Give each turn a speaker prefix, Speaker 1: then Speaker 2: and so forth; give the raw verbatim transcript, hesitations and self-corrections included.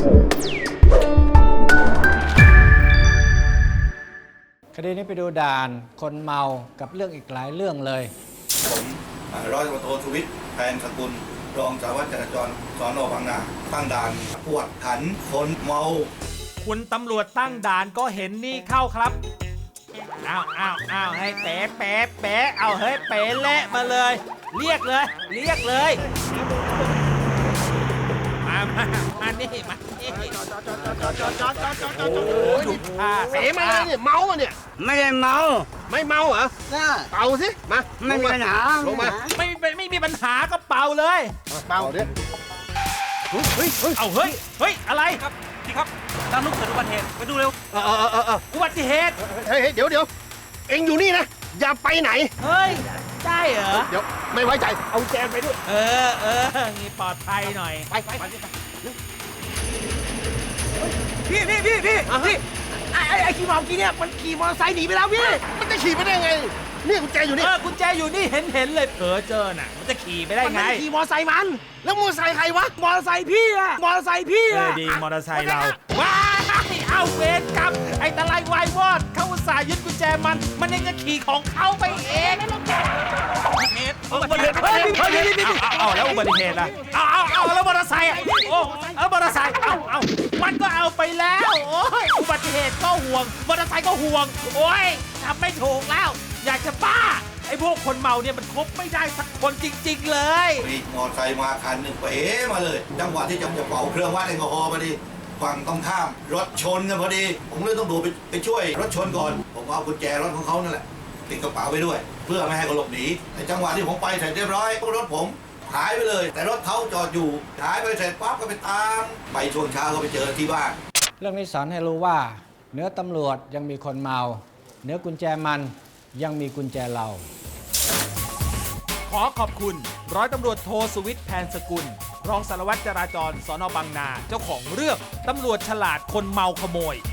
Speaker 1: คดีนี้ไปดูด่านคนเมากับเรื่องอีกหลายเรื่องเลย
Speaker 2: ผมร้อยตำรวจโทสุวิทย์แพนสกุลรองสารวัตรจราจรสน.บางนาตั้งด่านกวดขันคนเมา
Speaker 3: คุณตำรวจตั้งด่านก็เห็นนี่เข้าครับอ้าวอ้าวอ้าวให้เป๋เป๋เป๋เอาเฮ้ยเป๋เละมาเลย เรียกเลย เรียกเลยมามามานี่มานี่โอ้ยดูท่า
Speaker 4: เป๋มาเลยเนี่ยเมาอ่ะเนี่ย
Speaker 5: ไม่ได้เมา
Speaker 4: ไม่เมาเหรอเป่าสิมา
Speaker 5: ไม่มีปัญหา
Speaker 4: ลงมา
Speaker 3: ไม่ไม่ไม่มีปัญหาก็เป่าเลย
Speaker 4: เป่าดิ
Speaker 3: เฮ้ยเฮ้ยเอาเฮ้ยเฮ้ยอะไรครับพี่ครับตามลูกเกิดอุบัติเหตุไปดูเร็ว
Speaker 4: เออเออเออเออ
Speaker 3: อุบัติเหตุ
Speaker 4: เฮ้ยเดี๋ยวเดี๋ยวเอ็งอยู่นี่นะอย่าไปไหน
Speaker 3: เฮ้ยได้เหรอ
Speaker 4: เดี๋ยวไม่ไว้ใจเอาแจนไปด้วย
Speaker 3: เออเออนี่ปลอดภัยหน่อย
Speaker 4: ไปไปไป
Speaker 3: พี่พี่พี่พี่พี่ไอ้ไอ้ขี่มอเตอร์ไซค์เนี่ยมันขี่มอเตอร์ไซค์หนีไปแล้วพี่
Speaker 4: มันจะขี่ไปได้ไงนี่กุญแจอยู่นี่
Speaker 3: เออกุญแจอยู่นี่เห็นเห็นเลยเผลอเจอน่ะมันจะขี่ไปได้ไง
Speaker 4: มันขี่มอเตอร์ไซค์มันแล้วมอเตอร์ไซค์ใครวะ
Speaker 3: มอเตอร์ไซค์พี่อะมอเตอร์ไซค์พี่อะดีมอเตอร์ไซค์เราว้ายเอาเวรกรรมไอ้ตะไลวายวอดเขาอุตส่าห์ยึดกุญแจมันมันยังจะขี่ของเขาไปเองอุบัติเหตุอุบัติเหตุเฮ้ยนี่นี่เอาแล้วอุบัติเหตุอะเอาเอาเอาแล้วมอเตอร์ไซค์โอ้แล้วมอเตอร์ไซค์เอาเอามันก็เอาไปแล้วโอ้ยอุบัติเหตุก็ห่วงมอเตอร์ไซค์ก็ห่วงโอ้ยทำไม่ถูกแล้วอยากจะบ้าไอ้พวกคนเมาเนี่ยมันคบไม่ได้สักคนจริงๆเลย
Speaker 2: มีมอเตอร์ไซค์มาคันหนึ่งเป๋มาเลยจังหวะที่จะจะเป่าเครื่องวัดแอลกอฮอล์พอดีฝั่งตรงข้ามรถชนกันพอดีผมเลยต้องดูไปไปช่วยรถชนก่อนผมเอากุญแจรถของเขานั่นแหละติดกระเป๋าไปด้วยเพื่อไม่ให้เขาหลบหนีในจังหวะที่ผมไปเสร็จเรียบร้อยรถผมหายไปเลยแต่รถเขาจอดอยู่หายไปเสร็จปั๊บก็ไปตามไปช่วงเช้าก็ไปเจอที่บ้าน
Speaker 1: เรื่องนี้สอนให้รู้ว่าเหนือตำรวจยังมีคนเมาเหนือกุญแจมันยังมีกุญแจเรา
Speaker 3: ขอขอบคุณร้อยตำรวจโทสุวิทย์แพนสกุลรองสารวัตรจราจรสน.บางนาเจ้าของเรื่องตำรวจฉลาดคนเมาขโมย